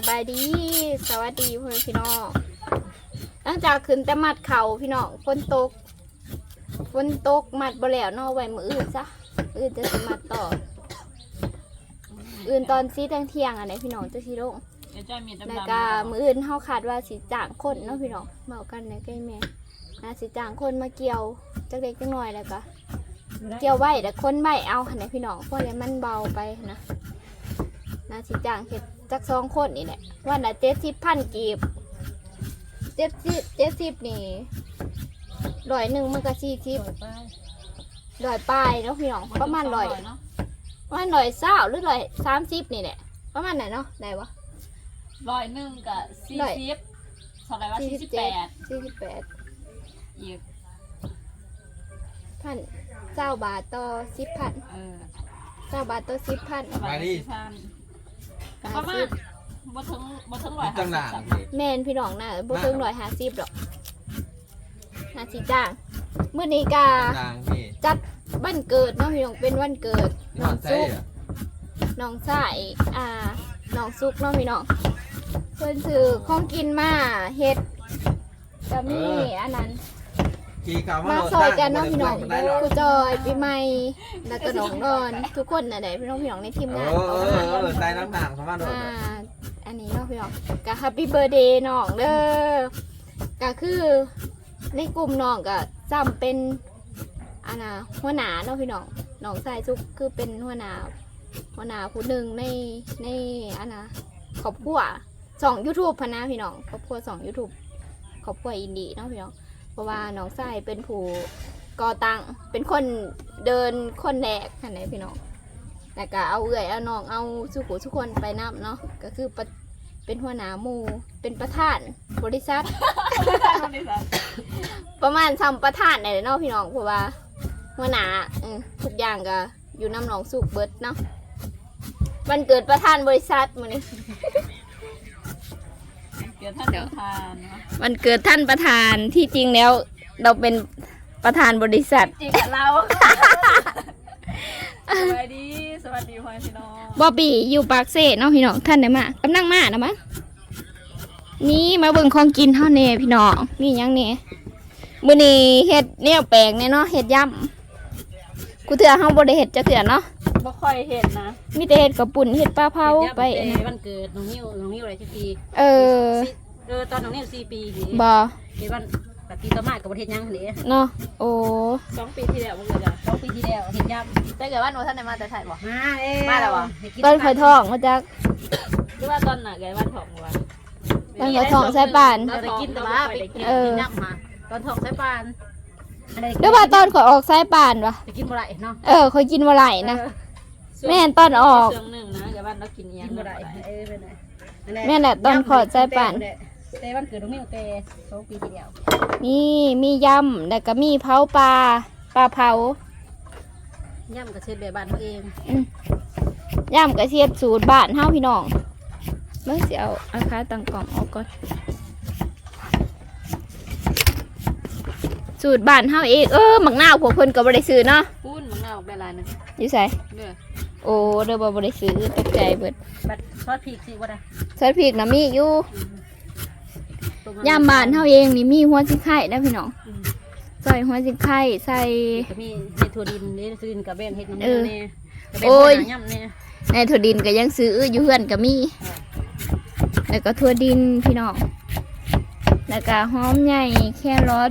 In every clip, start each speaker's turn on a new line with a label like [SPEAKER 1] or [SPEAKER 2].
[SPEAKER 1] บายดีสวัสดีพ่อแม่พี่น้องหลังจากขึ้นแต่มัดเข่าพี่น้องฝนตกมัดบ่แล้วเนาะไว้มืออื่นซะอื่นจะสิมัดต่ออื่นตอนซีเที่ยงอันไหนพี่น้องจะสิลงแล้วก็มืออื่นเฮาคาดว่าสิจ้างคนเนาะพี่น้องเมากันในใกล้แม่น่าสิจ้างคนมาเกี่ยวจักเล็กจักน้อยแล้วก็เกี่ยวไว้แต่คนไม่เอาอันไหนพี่น้องเพราะอะไรมันเบาไปนะน่าสิจ้างเฮ็ดจัก2 คนนี่แหละวันละ70,000 กีบ70นี่100มันก็40 100ปลายเนาะพี่น้องประมาณ100ประมาณ120หรือ130นี่แหละประมาณไหนเนาะได้วะ
[SPEAKER 2] 100กับ40เท่าไหร่ว่า48อีก
[SPEAKER 1] 1,000 บาทต่อ 10,000 20 บาทต่อ 10,000
[SPEAKER 2] มาดิประมาณบ่ถึง150
[SPEAKER 1] แม่นพี่น้องน่ะบ่ถึง150หรอกน่าสิจ้างมื้อนี้ก็จัดวันเกิดเนาะพี่น้องเป็นวันเกิดน้องซุกน้องสายน้องซุกเนาะพี่น้องเพิ่นซื้อของกินมาเฮ็ดก็มีอันนั้นมาซอยกันเนาะพี่น้องครูจอยปีใหม่แล้วก็น้องนอนทุกคนน่ะได้พี่น้องในทีมงาน
[SPEAKER 3] ใส่น้ำหนักประมาณ
[SPEAKER 1] อันนี้เนาะพี่น้องก็แฮปปี้เบิร์ธเดย์น้องเด้อก็คือในกลุ่มน้องก็จำเป็นหัวหน้าเนาะพี่น้องน้องสายซุกคือเป็นหัวหน้าผู้หนึ่งในครอบครัว2 YouTube พะนะพี่น้องครอบครัว2 YouTube ครอบครัวอินดี้เนาะพี่น้องเพราะว่าน้องสายเป็นผู้ก่อตั้งเป็นคนเดินคนแรกค่ะไหนพี่น้องแล้วก็เอาเอาน้องเอาทุกคนไปนับเนาะก็คือเป็นหัวหน้าหมู่เป็นประธานบริษัท ประมาณประธานไหนเนาะพี่น้องเพราะว่าหัวหน้าทุกอย่างก็อยู่น้ำหนองสุกเบิดเนาะวันเกิดประธานบริษัทมื้อนี้วันเกิดท่านประธานที่จริงแล้วเราเป็นประธานบริษัท
[SPEAKER 2] จริงเราสวัสดีพ่อพี่น้อง
[SPEAKER 1] บอบบี้อยู่ปากเซ่เนาะพี่น้องท่านได้มากำลังมานะมั้งนี่มาเบิ่งของกินเท่าเน่พี่น้องนี่ยังเน่มื้อนี้เฮ็ดแนวแปลกแน่เนาะเฮ็ดยำกูเถื่อเฮาบ่ได้เฮ็ดจักเถื่อเนาะ
[SPEAKER 2] บ่ค่อยเฮ็ดนะ
[SPEAKER 1] มีแต่เฮ็ดกับปุ่นเฮ็ดปลาเผาไป
[SPEAKER 2] วันเกิดน้องนิ้วอะไรที่ปีตอนน้องนิ้ว4 ปี
[SPEAKER 1] บ่
[SPEAKER 2] เฮ็ดวันแบบปีต่อมาก็บ่เฮ็ดหยังหั่นเด้
[SPEAKER 1] เนาะโอ้
[SPEAKER 2] 2 ปีที่แล้วบ่เกิดจ้ะ2 ปีที่แล้วเฮ็ดยำแต่เกิดว่าหนูท่านได้มาแต่ไทยบ่มาแล้วบ่
[SPEAKER 1] ตอนข่อยท้องมาจัก
[SPEAKER 2] หรือว่าตอนน่ะแกวันท้องบ่
[SPEAKER 1] ตอนข่อยท้องใส่ปาน
[SPEAKER 2] ได้กินแต่ว่าไปกินยำมาตอนท้องใส่ปาน
[SPEAKER 1] หรือว่าตอนข่อยออกสายป่านวะ
[SPEAKER 2] ไปกินบ่ได้เนาะ
[SPEAKER 1] ข่อยกินบ่ได้นะแม่นตอนออก
[SPEAKER 2] ช่วงนึงนะอย่าบ้านเรากินอีหยังบ่ได้
[SPEAKER 1] แม่นแหละตอนข่อยสายป่าน
[SPEAKER 2] แต่วันเกิดน้องมิ้วแต่2 ปีที่แล้ว
[SPEAKER 1] มียำแล้วก็มีเผาปลาเผา
[SPEAKER 2] ย่ำก็เช็ดแบบบ้านเขาเอง
[SPEAKER 1] ยำก็เช็ดสูตรบ้านเฮาพี่น้องเบิ่งสิเอาอาคาตั้งกล่องออกก่อนสูตรบ้านเฮาเองหมักนาวพวกเพิ่นก็บ่ได้ซื้อเนาะ
[SPEAKER 2] ปุ้นหมักนาวแบบลายนึง
[SPEAKER 1] อยู่ไสโอ้เด้อบ่ได้ซื้อตกใจเบิด
[SPEAKER 2] บัดซอสพริกสิบ่ได้
[SPEAKER 1] ซอสพริกน่ะมีอยู่ยำบ้านเฮาเองนี่มีหัวสิงไข่นะพี่น้องใส่หัวสิงไข่ใส่
[SPEAKER 2] ก็มีเฮ็ดถั่วดินนี่ถั่วดินกับแบนเฮ็ดน้ำมันแน่
[SPEAKER 1] โอ้ยในถั่วดินก็ยังซื้ออยู่เฮือนก็มีแล้วก็ถั่วดินพี่น้องแล้วก็หอมใหญ่แครอท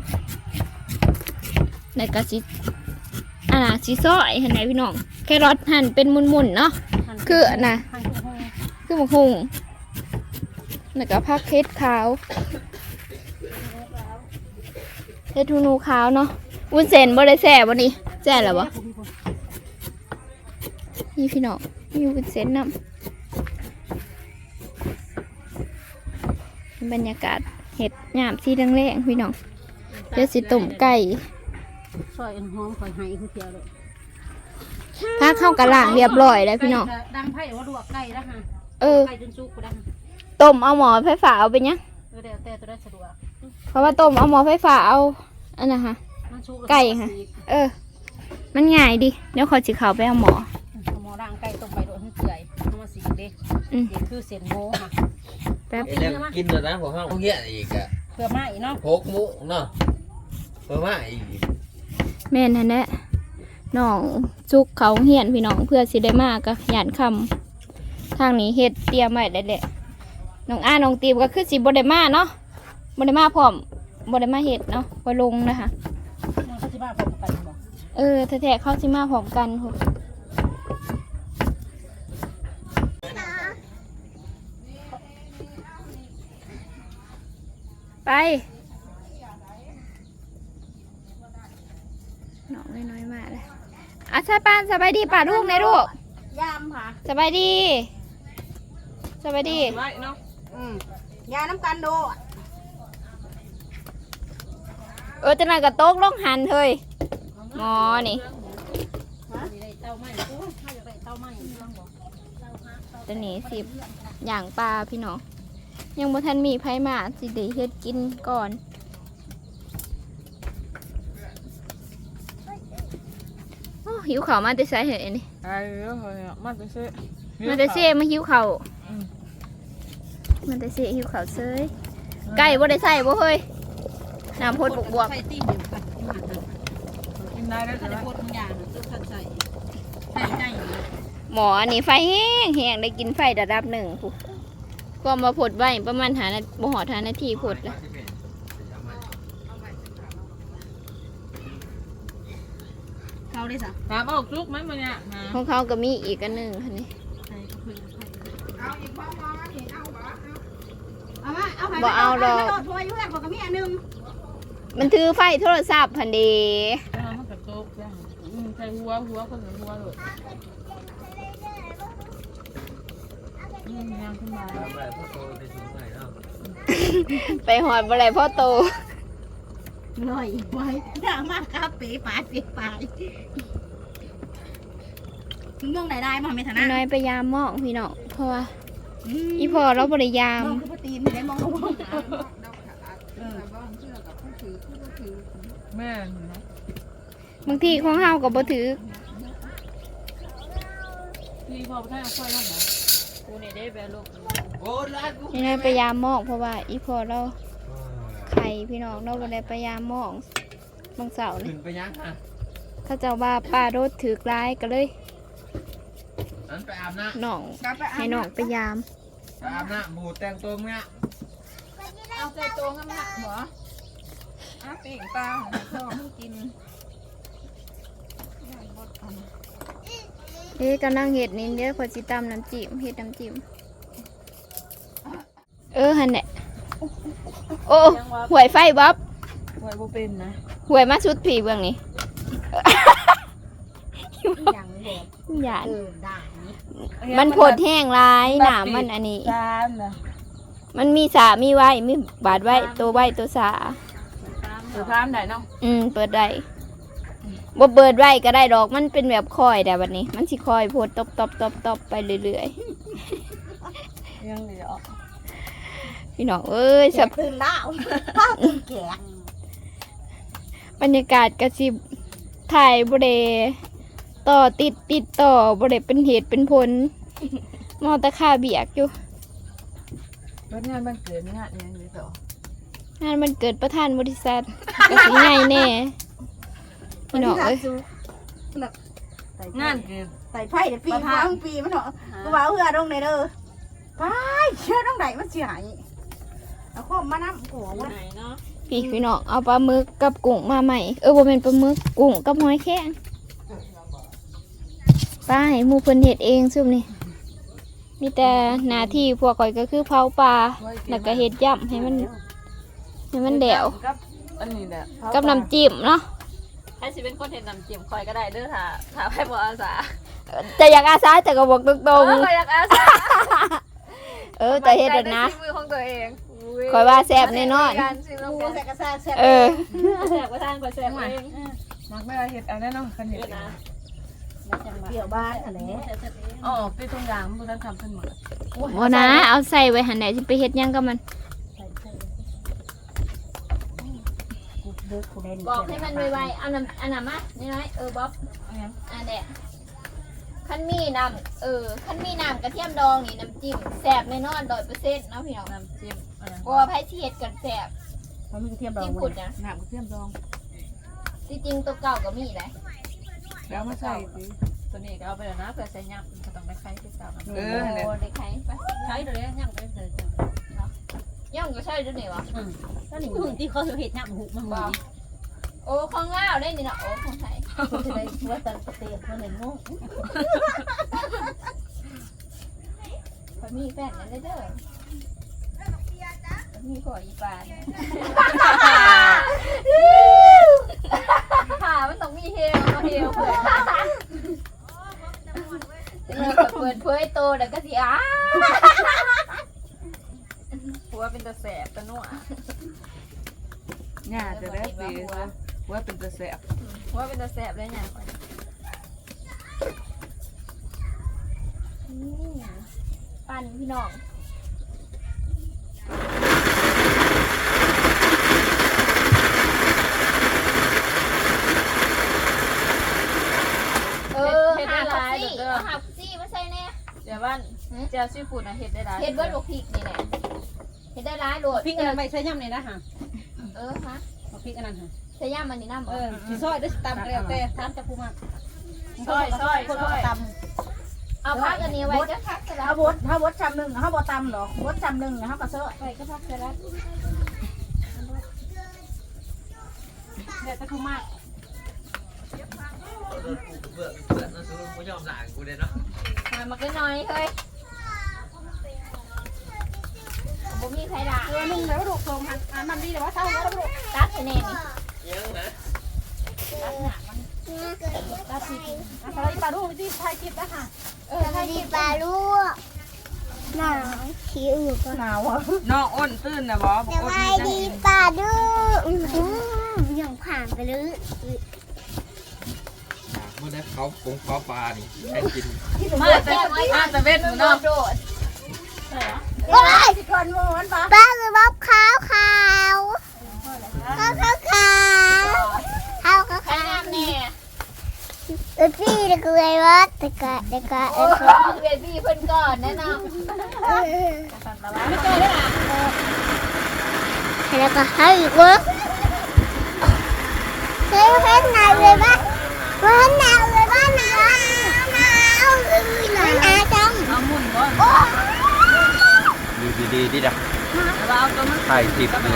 [SPEAKER 1] แล้วก็สิซอยเห็นไหมพี่น้องแครอทหั่นเป็นมุนๆเนาะคือคือหมกหุ่งแล้วก็ผักเฮ็ดขาวเฮ็ดทูนูขาวเนาะวุ้นเส้นบ่ได้แซ่บ่นี่แซ่แล้วบ่นี่พี่น้องมีวุ้นเส้นนำบรรยากาศเห็ดหยามสีแดงๆพี่น้องเดี๋ยวสิต้มไก่
[SPEAKER 2] ซอยหอมข่อยให้คือเพียวเลย
[SPEAKER 1] ถ้าเข้ากระล่างเรียบร้อยแล้วพี่น้อง
[SPEAKER 2] ดังไผ่ว่าลวกไก่แล้วฮะไก่จนสุกก็ได้
[SPEAKER 1] ต้มเอาหม้อไฟฟ้าเอาไปยัง
[SPEAKER 2] แต่ตัวได้สะดวก
[SPEAKER 1] เพราะว่าต้มเอาหม้อไฟฟ้าเอาอันน่ะฮะไก่ค่ะมันง่ายดิเดี๋ยวขอจิเข้าไปเอาหม้อ
[SPEAKER 2] ร่างไก่ต้มไปโดนเปื่อยเอามาสีเด็กคือเส้นโมค่ะ
[SPEAKER 1] แป๊บ
[SPEAKER 3] เดี๋ยวกินเลยนะผมห้องเงี้ยอีกอะ
[SPEAKER 2] เพื่อมาอีกเนาะ
[SPEAKER 3] โคกมุเนาะเพิ่มมาอีก
[SPEAKER 1] แม่นนั่นแหละน้องซุกเขาเฮียนพี่น้องเพื่อสิได้มากก็หยานคำทางนี้เฮ็ดเตรียมไว้ได้แหละน้องน้องตีมก็คือสิบ่ได้มาเนาะบ่ได้มาพร้อมบ่ได้มาเฮ็ดเนาะบ่ลงนะคะ
[SPEAKER 2] มันก็สิมาพร้อมกันบ่
[SPEAKER 1] แท้ๆเขาสิมาพร้อมกันพุ่นไปน้องน้อยๆมาเลยอ่ะใช่ป้านสบายดีป่าลูกในลูก
[SPEAKER 2] ยามค่ะ
[SPEAKER 1] สบายดีสบายดี
[SPEAKER 2] ไว้เนาะยาน้ำกันโด
[SPEAKER 1] จะนั่งกับโต๊ะลงหันเฮ้ยหมอนี่ตัวนี้สิบอย่างปลาพี่น้องยังบ่ทันมีไผมาสิได้เฮ็ดกินก่อนโอ้หิวข้าวมาแต่ไสเหรอนี่
[SPEAKER 2] ไอ้เอ้ยมาจะซื้อ
[SPEAKER 1] มันแต่เซ่มาหิวข้าวมันแต่เซ่หิวข้าวเซยไก่บ่ได้ใส่บ่เฮ้ยน้ำพดบวก
[SPEAKER 2] ใส่ตีนอยู่ค่ะกินได้แล้วแต่พดทุกอย่างต้องใส่ใส่
[SPEAKER 1] หมออันนี้ไฟแห้งแห้งได้กินไฟระดับหนึ่งผู้ก็มาผดไว้ประมาณบ่หอทานาทีผดละ
[SPEAKER 2] เขาได้สักตามออกลุกไหมมันเนี่ย
[SPEAKER 1] ของเขาก็มีอีกอันหนึ่งคันนี้
[SPEAKER 2] เอาอีกบ้างเอามาเอา
[SPEAKER 1] บ่เอาดอก
[SPEAKER 2] พออยู่แล้วก็มีอันนึง
[SPEAKER 1] มันถือไฟโทรศัพท์พันเดี
[SPEAKER 2] มันกับโต๊ะใส่หัวคนหนึ่งหัวเลยยังขึ้นมา
[SPEAKER 1] ไปหอดบ่ไรพ่อโต
[SPEAKER 2] ลอยไว้ด่ามากครับเป๋ปายมึงมองได้มาไม่ถนัด
[SPEAKER 1] น้อยไปยามมองพี่น้องเพราะว่าอีพอเราบริยาม
[SPEAKER 2] มองคือตีนได้มองแม่
[SPEAKER 1] บางทีของเฮาก็บ่ถือ
[SPEAKER 2] พี่พอไปเอาไฟลงเหรอกูเนี่ยได้แบบลูก
[SPEAKER 1] นี่น้อยไปยามมองเพราะว่าอีพอเราไข่พี่น้องเราบ่ได้ไปยามมองบางเสาร์นี่
[SPEAKER 3] ขึ้นไปยังอ่ะ
[SPEAKER 1] เขาเจ้าว่าป้ารถถือกลายก็เลย
[SPEAKER 3] นั้นไปอาบน้
[SPEAKER 1] น้องให้น้องไปยาม
[SPEAKER 3] ำไปอาบน้ำหมูแต่งตัวเงี้ย
[SPEAKER 2] เอาใจตัวงั้นนะหมอปีกปลาพ่อมึงกิน
[SPEAKER 1] กำลังเห็ดนี่เดี๋ยวพอจิตำน้ำจิ้มเห็ดน้ำจิ้มหันแหละโอ้หวยไฟบ๊อบ
[SPEAKER 2] หวยบ่เป็นนะ
[SPEAKER 1] หวยมาชุดผีเบื้องนี้
[SPEAKER 2] ยังแบบ
[SPEAKER 1] หยาด
[SPEAKER 2] ได้
[SPEAKER 1] มันผดแห้งร้ายหนามมันอันนี้
[SPEAKER 2] จานนะ
[SPEAKER 1] มันมีสามีไว้มีบาดไว้ตัวไว้ตัวสา
[SPEAKER 2] ถือพามได้เนาะ
[SPEAKER 1] เปิดได้บ่เปิดไว้ก็ได้ดอกมันเป็นแบบคอยแต่วันนี้ มันสิคอยโพดตบไปเรื่อย
[SPEAKER 2] ยังเหลือ
[SPEAKER 1] ๆพี่น้องเอ้ยสับ
[SPEAKER 2] ตื่นแล้วข้าวตื่นแก่
[SPEAKER 1] บรรยากาศกระสิบถ่ายบ่ได้ต่อติดต่อบ่ได้เป็นเหตุเป็นผลมอตะค่าเบียกอยู่
[SPEAKER 2] วันงานมันเกิดงานยังอยู่ต่อง
[SPEAKER 1] านมันเกิดประธานบริษัทก็สิใหญ่แน่พี่น้องเอ้ย
[SPEAKER 2] งานเกิด
[SPEAKER 4] ใส่ไผ่เดี๋ยวปีปีมันเหรอกูว่าเพื่อตรงไหนเด้อไปเชื่อตรงไหนมันเสียหายเอาข้อมาน้ำหัวมัน
[SPEAKER 2] ไหนเนาะ
[SPEAKER 1] พี่น้องเอาปลาหมึกกับกุ้งมาใหม่บ่เป็นปลาหมึกกุ้งกับหอยแครงป้าให้หมู่เพิ่นเฮ็ดเองซุมนี่มีแต่หน้าที่พวกข่อยก็คือเผาปลาแล้วก็เฮ็ดย่ำให้มันแดว
[SPEAKER 2] กับอันนี้แหละ
[SPEAKER 1] กับน้ำจิ้มเนาะ
[SPEAKER 2] ให้สิเป็นคนเห็นน้ำจิ้มคอยก็ได้เด้อถ้าให้บ่อาสา
[SPEAKER 1] แต่อยากอาสาแต่ก็บอกตรง
[SPEAKER 2] คอยอยากอาสา
[SPEAKER 1] ๆแต่เฮ็ดแล้วนะ
[SPEAKER 2] มือของตัวเอง
[SPEAKER 1] คอยว่าแซ่บแน่นอน
[SPEAKER 2] การชิมลง
[SPEAKER 4] กู
[SPEAKER 2] กัน
[SPEAKER 4] ใส่กระซ่าแซ่บ
[SPEAKER 2] แซ่บก็ทานก็แซ่บเองมักไม่ได้เห็ดเอาแน่นอนกันเห็ดนะ
[SPEAKER 4] เกี่ยวบ้านอะไร
[SPEAKER 2] อ๋อตีตรงกลางมันต้องทำขึ้นหมด
[SPEAKER 1] บ่นะเอาใส่ไว้หั่นได้สิไปเฮ็ดหยังกับมัน
[SPEAKER 4] กูเลิกกูเล่น
[SPEAKER 1] บอกให้มันไวๆเอาน้ำอันนั้นมาน้อยๆบ๊อบอันแดะคันมีน้ำคันมีน้ำกระเทียมดองนี่น้ำจิ้มแซ่บแน่นอน100%เนาะพี่น้อง
[SPEAKER 2] น้ำจิ้มอะไร
[SPEAKER 1] เพราะว่าไผสิเฮ็ดกันแซ่บ
[SPEAKER 4] มันมีกระเทียมดอง
[SPEAKER 1] จิ้มขุดนะ
[SPEAKER 4] น้ำกระเทียมดอง
[SPEAKER 1] ที่จริงตัวเก่าก็มีได้
[SPEAKER 4] แล้วมาใส่สิ
[SPEAKER 2] ตัวนี้ก็เอาไปแล้วนะเพื่อใส่ยำก็ต้องได้ไข่ที่เก่า
[SPEAKER 1] โอ้ได้ไข่ไป
[SPEAKER 2] ไข่เลยยำไปเลยจ้ะ
[SPEAKER 1] ย่องก็ใช่ด้วยนี่วะ
[SPEAKER 2] ก็นี่หุ่นที่เขาเห็ดยำหุบมันบ่
[SPEAKER 1] โอ้ของลาวได้นี่เนาะโอ้ของไทย
[SPEAKER 2] จะได้ว่าแต่เตียนมันเลยงง
[SPEAKER 1] พอมีแฟนนั่นเลยเด้อมีขออีปานค่ะมันต้องมีเฮลมาเฮลเผื่อเปิดเผยโตแล้วก็สิอ้า
[SPEAKER 2] หัวเป็นตะแสบตะนัว
[SPEAKER 4] เนี่ยจะได้สิว่าเป็นตะแสบ
[SPEAKER 2] หัวเป็นตะแสบเลยเนี่ย
[SPEAKER 1] ปั่นพี่น้องหักซี่ไม่ใช่แน่
[SPEAKER 2] เดี๋ยวบ้านเจ้าซีฟู้ดนะเห็ดได้หลาย
[SPEAKER 1] เฮ็ดเบิร์ดลูกพริกนี่แหละเฮ็ดได้ร้ายโหลด
[SPEAKER 5] พริกอันนั้นไม่ใช่ย่ำเลยนะฮะ
[SPEAKER 1] ฮะ
[SPEAKER 5] พริกอันนั้นฮะ
[SPEAKER 1] ใช้ย่ามันนี่น้ำ
[SPEAKER 5] ที่ซอยได้ตำแล้วแต่ทานจะพูมา
[SPEAKER 2] ซอย
[SPEAKER 5] คนก็ต
[SPEAKER 1] เอาพักอันนี้ไว้ก็พักสลั
[SPEAKER 4] ถ้า
[SPEAKER 1] ด
[SPEAKER 4] บดชามหนึ่งถ้าบดตำหรอกบดชามหนึ่งเขาก็เซาะ
[SPEAKER 1] ไว้ก็พักสลัด
[SPEAKER 5] ำแล้วจะพูมาก
[SPEAKER 3] เบื่อนะซื้อกูยอมหลานกูเลยเนาะ
[SPEAKER 1] มาก็น้อยเฮ้ยผมมีใครด่า
[SPEAKER 5] ตัวนึงแล้วลูกทรงอันมันดีแต่ว่าเท่าแล้วลูก
[SPEAKER 1] ตัดให้แน่นี่
[SPEAKER 3] ยังนะ
[SPEAKER 5] ตัดพริกอะไรปลาลูกที่ไทยกินนะฮะ
[SPEAKER 1] ถ้าหยิบ
[SPEAKER 6] ปลาลูกหนาวขี้อืด
[SPEAKER 4] หนาวอ่ะ
[SPEAKER 7] น้องอ้นตื่นนะบอ
[SPEAKER 6] สบายดีปลาลูกยังผ่านไปเลย
[SPEAKER 3] เมื่อได้เขาปงเขาปลานี่ใช้กิน
[SPEAKER 2] มาแต่เวทหนู
[SPEAKER 1] น
[SPEAKER 2] เนาะ
[SPEAKER 1] โดด
[SPEAKER 4] ก็ได้สิก่อนมันปะ
[SPEAKER 6] ปลาคือบ๊อบขาวขาวขาวขาวขาวขาวขาว
[SPEAKER 1] ใคร
[SPEAKER 6] ขาว
[SPEAKER 1] น้ำแน่
[SPEAKER 6] พี่เด็กเลยว่าเด็กเด็ก
[SPEAKER 1] โอ้เบบี้เพิ่นก่อนแน่นอน
[SPEAKER 2] ไม่เจอได้หรอ
[SPEAKER 6] แล้วก็ให้อีกวะเฮ้ยเฮ้ยหนาวเลยปะว่าหนาวเลยปะหนาวหนาวหนาวจัง
[SPEAKER 2] เอาหมุนก่อน
[SPEAKER 3] ดีดัก
[SPEAKER 2] เราเอาตัวมัน
[SPEAKER 3] ถ่ายติดเลย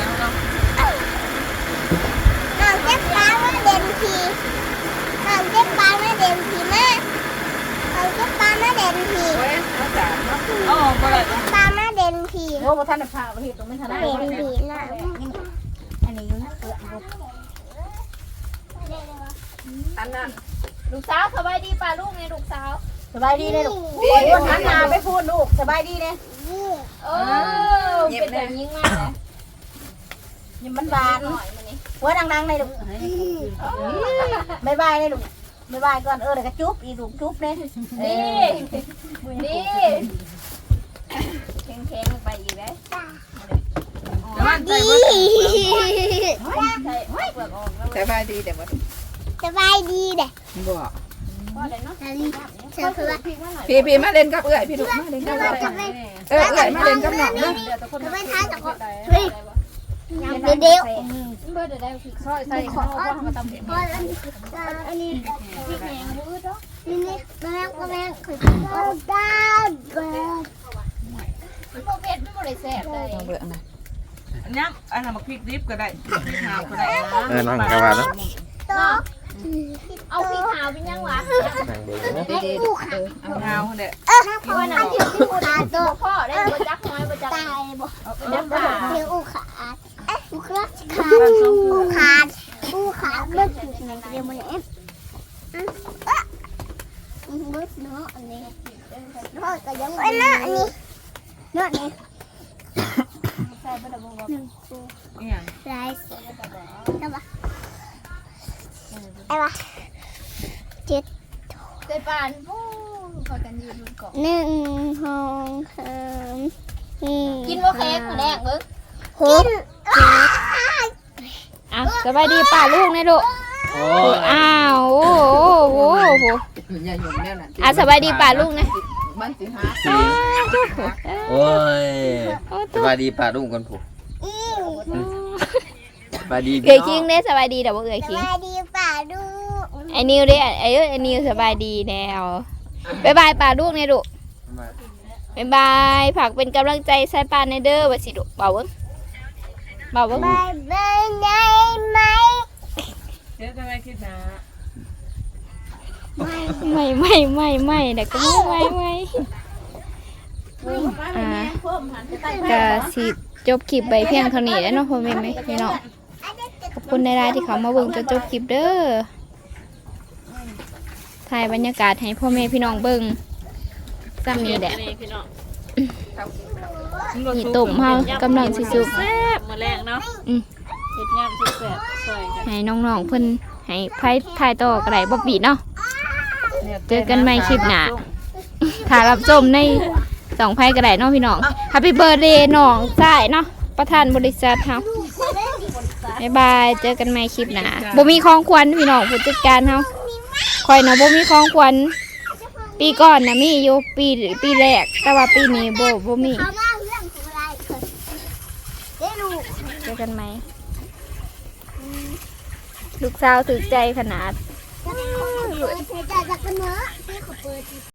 [SPEAKER 6] น้องเจ็บปลาไม่เด่นทีน้องเจ็บปลาไม่เด่นทีแม่น้องเจ็บปลาไม่เด่นที
[SPEAKER 2] อ๋อบ่ได้
[SPEAKER 6] ปลาไม่เด่นที
[SPEAKER 4] โอ้บ่ทันได้พาไปเฮ็ดตรงไม่ทันได้
[SPEAKER 6] เด่นทีนะ
[SPEAKER 4] อันนี้อยู่นะเปลือก
[SPEAKER 2] อันนั้น
[SPEAKER 1] ลูกสาวสบายดีป่ะลูกไงลูกสาว
[SPEAKER 4] สบายดีเลยลูกคนหันหน้าไปพูดลูกสบายดีเลย
[SPEAKER 1] โอ้เป็นแบบยิ่งมากเลย
[SPEAKER 4] ยิ้มบาน
[SPEAKER 1] หน่อยมันนี่
[SPEAKER 4] หัวดังๆเลยลูกบายบายเลยลูกบายบายก่อนเดี๋ยวก็จุ๊บอีลูกจุ๊บเลย
[SPEAKER 1] นี่แข็งๆลงไปอีกเลย
[SPEAKER 2] มันใส่
[SPEAKER 6] ดี
[SPEAKER 1] ใช่เปลือกออกแล้ว
[SPEAKER 7] สบายดีแต่ว่า
[SPEAKER 6] สบายดีเด้
[SPEAKER 7] บ่
[SPEAKER 1] ก็ได้เนาะ
[SPEAKER 6] เชื่อคือว่า
[SPEAKER 7] พี่มาเล่นกับเอื้อยพี่ลูกมาเล่นกับเอื้อย
[SPEAKER 6] จะไป
[SPEAKER 7] เอื้อยมาเล่นกับน้องเด้อ
[SPEAKER 6] จะไปท้ายจากคนเฮ้ยเดี๋ยว
[SPEAKER 1] เบอร์ได้คือ
[SPEAKER 2] ซอยใส่ข้าวก็มาตำเผ็ด
[SPEAKER 6] พออันนี้
[SPEAKER 1] พริกแหงมืดเนาะ
[SPEAKER 6] นี่แม่คือดาว
[SPEAKER 1] โปรเผ็ดไม่หมดเลยแซ่บเลย
[SPEAKER 7] น้องเบื่อนะย้ำอันนั้นมาพริกดิบก็ได้พริกหาวก็ได้
[SPEAKER 3] นั่งกันมาแล้ว
[SPEAKER 6] โต๊ะ
[SPEAKER 1] เอาพริกขาวเป็นยังวะ
[SPEAKER 3] นั่งเบิ่งนะ
[SPEAKER 6] ผู้ขา
[SPEAKER 7] เอาหาวเด้อ
[SPEAKER 1] พ่อหนาที่ขาโตพ่อได้บจักน้อยบจัก
[SPEAKER 6] ตายบ่
[SPEAKER 1] จักขา
[SPEAKER 6] เดี๋ยวอุขาดอุขาดอุขาดอุขาดเมื่อกี้ไหนเดี๋ยวมันเอฟบึ้ดเนาะอันนี้เนาะก็ยังไม่เนาะอันนี้เนาะนี่
[SPEAKER 1] ใส่บดบง
[SPEAKER 6] หนึ่งตัว
[SPEAKER 7] อีหยัง
[SPEAKER 6] ไรส์ได้ปะไอ้ปะ
[SPEAKER 1] ใส่ปานโอ้พอกันยืนบนเกาะ
[SPEAKER 6] หนึ่งสองสาม
[SPEAKER 1] กินว่าเค้กแรกมึง
[SPEAKER 6] หก
[SPEAKER 1] อ่ะสบายดีป่าลูกนะลูก
[SPEAKER 3] โอ้
[SPEAKER 1] อ้าวโอ้โห
[SPEAKER 7] อย่าหยุ่งแนวนั้น
[SPEAKER 1] อ่ะสบายดีป่าลูกนะ
[SPEAKER 7] มันสิหา
[SPEAKER 1] โ
[SPEAKER 3] โอ้ย
[SPEAKER 1] โอ้
[SPEAKER 3] สบายดีป่าดุ้งกันผู้สบายดี
[SPEAKER 1] เกยคิงเด้สบายดีแต่ว่าเกยคิง
[SPEAKER 6] สวัสดีป่าดู
[SPEAKER 1] ไอ้นิวเด้ไอ้นิวสบายดีแล้วบ๊ายบายป่าลูกเนี่ยดุบ๊ายบายฝากเป็นกำลังใจใส่ป่าในเด้อว่าสิดุเบาเบิ้ง
[SPEAKER 6] บายบายได้ไหม
[SPEAKER 7] เดี๋ยวจะไม่คิดนะ
[SPEAKER 1] ไม่เด็กก็ไม่ก็สิจบคลิปไปเพียงเท่านี้แล้วเนาะพ่อแม่พี่น้องขอบคุณในรายที่เขามาเบิ่งจนจบคลิปเด้อถ่ายบรรยากาศให้พ่อแม่พี่น้องเบิ่งซ้ำนี้แหละ
[SPEAKER 2] พี่น้อง
[SPEAKER 1] นี่ตุ่มเฮากำลังสิสุก
[SPEAKER 2] แซ่บมื้อแรงเนาะเฮ็ดยำสุดแซ่บซอยกัน
[SPEAKER 1] ให้น้องๆเพิ่นให้ไพ่ถ่ายต่อก็ได้บ่ปิดเนาะเจอกันใหม่คลิปหน้าถ้ารับชมในสองไพ่ก็ได้เนาะพี่น้อง Happy Birthday น้องใช่เนาะประธานบริษัทเฮาบ๊ายบายเจอกันใหม่คลิปหน้าบ่มีของขวัญพี่น้องผู้จัดการเฮาข่อยน่ะบ่มีของขวัญปีก่อนน่ะมีอยู่ปีแรกแต่ว่าปีนี้บ่มี
[SPEAKER 6] เขามาเรื่องอะไรได้ลูก
[SPEAKER 1] เจอกันไหมลูกสาวถึกใจขนาด
[SPEAKER 6] เปิดใจจากกันเนอะพี่ขอเปิด